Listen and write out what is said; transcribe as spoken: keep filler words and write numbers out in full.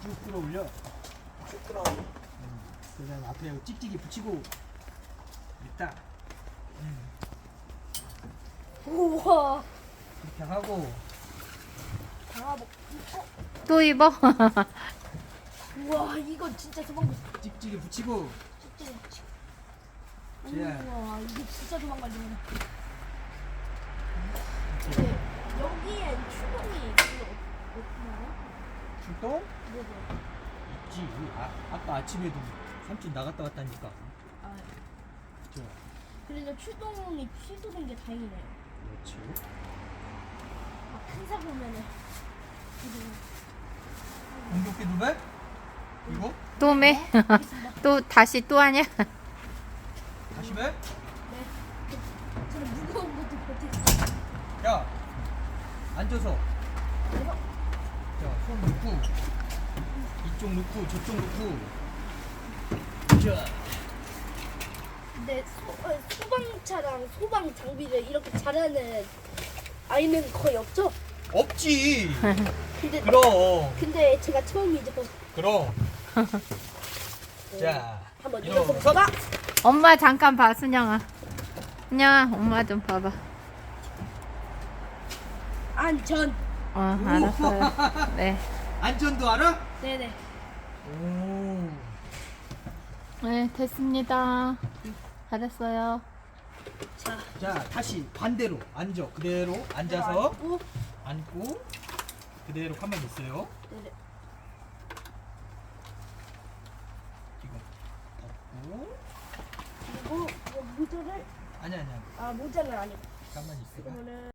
쭉 끌어올려. 쭉 끌어. 음. 그다음 앞에 찍찍이 붙이고 있다. 음. 우와. 이렇게 하고 방아복. 어? 또 입어? 우와, 이거 진짜 도망갈 수 찍찍이 붙이고 있지. 예. 우와, 이게 진짜 도망갈리네. 이렇게 네, 여기엔 추동이 별로 없나요? 출동 네네. 있지. 아, 아까 아침에도 삼촌 나갔다 왔다니까. 아, 좋아. 그래도 추동이 취소된 게 다행이네요. 그렇지. 아, 큰 사고 오면은 이제 공격기 누배? 이거? 또 매? 알겠습니다. 또 다시 또 하냐? 다시 매? 네. 저는 무거운 것도 버티고. 야, 앉아서. 그래서 자, 손 넣고 이쪽 넣고 저쪽 넣고. 자, 근데 소, 어, 소방차랑 소방 장비를 이렇게 잘하는 아이는 거의 없죠? 없지. 근데 그럼, 근데 제가 처음이죠. 그럼. 자, 한번 일어서. 일어서볼까? 엄마 잠깐 봐, 순영아. 순영아, 엄마 좀 봐봐. 안전. 어, 알았어요. 네. 안전도 알아? 네네. 오. 네, 됐습니다. 잘했어요. 자, 자, 다시 반대로 앉아. 그대로 앉아서 앉고. 앉고 그대로 가만히 있어요. 네네. 이거 덮고. 그리고 이 모자를 아니 아니야. 아 모자는 아니고 가만히 있어. 그러면은.